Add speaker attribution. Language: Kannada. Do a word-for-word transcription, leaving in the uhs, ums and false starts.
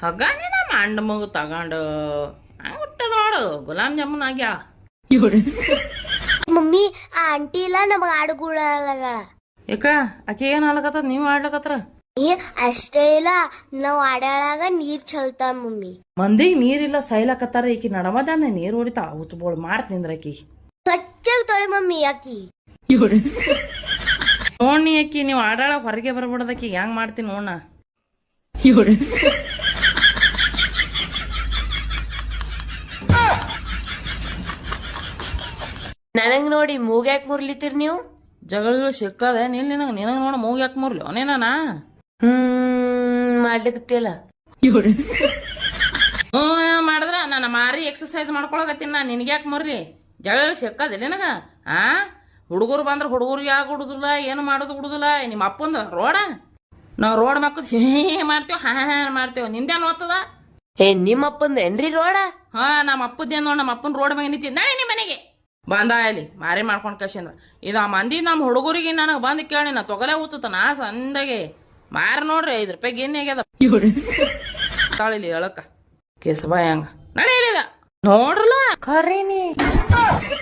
Speaker 1: ಹಗ್ಗಾನೇ ನಮ್ಮ ಅಂಡ ಮಗು ತಗೊಂಡು ಹಂಗ ಹುಟ್ಟದ ನೋಡು ಗುಲಾಬ್ ಜಾಮೂನ್ ಆಗ್ಯಾಳ.
Speaker 2: ಮಮ್ಮಿ ಆ ಆಂಟಿ ಇಲ್ಲ ನಮಗ ಆಡುಗಳಗಳ
Speaker 1: ಯಾಕ ಆಕೆ ಏನ್ ಆಲಕತ್ತದ ನೀವು ಆಡ್ಲಕತ್ರ?
Speaker 2: ಅಷ್ಟೇ ಇಲ್ಲ ನಾವ್ ಆಡಾಳಾಗ ನೀರ್ ಚಲ್ತಾವ ಮಮ್ಮಿ.
Speaker 1: ಮಂದಿಗ್ ನೀರಿಲ್ಲ ಸೈಲಕತ್ತಾರ, ಈಕಿ ನಡಮದಾನೆ ನೀರ್ ಹೊಡಿತಾಳ. ಹುಚ್ಚಬೋಳು ಮಾಡ್ತಿಂದ್ರ ಆಕಿ
Speaker 2: ಸ್ವಚ್ಛಾಗಿ ತೊಳೆ ಮಮ್ಮಿ. ಯಾಕಿ
Speaker 1: ನೋಡ್ನಿ ಅಕ್ಕಿ ನೀವು ಆಡಾಳ ಹೊರಗೆ ಬರ್ಬಿಡದಕ್ಕಿ ಹೆಂಗ್ ಮಾಡ್ತೀನಿ ನೋಡ.
Speaker 3: ನನಗ್ ನೋಡಿ ಮೂಗ್ಯಾಕ್ ಮುರ್ಲಿತೀರ್ ನೀವು?
Speaker 1: ಜಗಳ ಸಿಕ್ಕದೆ ನಿಲ್ ನಿನಗ ನಿನಗ ನೋಡ ಮೂಗ್ ಯಾಕೆ ಮುರ್ಲಿ ಅವನೇನ
Speaker 3: ಹ್ಮ್ ಮಾಡ್ಲಿಕತ್ತಿಲ್ಲ.
Speaker 1: ಹ್ಮ್ ಮಾಡಿದ್ರ ನನ್ನ ಮಾರಿ ಎಕ್ಸರ್ಸೈಸ್ ಮಾಡ್ಕೊಳಕತ್ತೀನಿ ನಾ. ನಿನ್ಗೆ ಯಾಕೆ ಮುರ್ಲಿ? ಜಗಳ ಸಿಕ್ಕದಿಲ್ಲ ನಿನಗ? ಆ ಹುಡುಗರು ಬಂದ್ರ ಹುಡುಗರಿಗೆ ಯಾಕೆ ಹುಡುದಿಲ್ಲ, ಏನು ಮಾಡೋದು ಹುಡುದಿಲ್ಲ. ನಿಮ್ಮ ಅಪ್ಪಂದ ರೋಡ ನಾವ್ ರೋಡ್ ಮಕ್ಕಳು ಹೇ ಮಾಡ್ತೇವ್ ಹಾ ಹಾ ಮಾಡ್ತೇವ್. ನಿಂದೇನ್ ಓದ್ತದ?
Speaker 3: ಏ ನಿಮ್ಮ ಅಪ್ಪಂದ ಏನ್ರಿ ರೋಡ?
Speaker 1: ಹಾ ನಮ್ಮ ಅಪ್ಪದ್ದೇನ್ ನೋಡ್, ನಮ್ಮ ಅಪ್ಪನ ರೋಡ್ ಮ್ಯಾಗ ನಿಂತಿ ನಾಳೆ ನಿಮ್ಮ ಮನೆಗೆ ಬಂದ ಇಲ್ಲಿ ಮಾರಿ ಮಾಡ್ಕೊಂಡ್ ಕಶಿಂದ್ರ ಇದು ಆ ಮಂದಿ ನಮ್ಮ ಹುಡುಗರಿಗೆ ನನಗೆ ಬಂದ್ ಕೇಳಿ ನಾ ತೊಗಲೇ ಊತತ ನಾ ಸಂದಾಗೆ ಮಾರ ನೋಡ್ರಿ ಐದ್ ರೂಪಾಯಿಗೆ ಏನ್ ಆಗ್ಯದ ತಾಳಿಲಿ ಹೇಳಕ್ಕ ಕೇಸಬಾಯ್ ಹಂಗ ನಡೆಯಲಿಲ್ಲ ನೋಡ್ರಲ್ಲ
Speaker 3: ಖರೀನಿ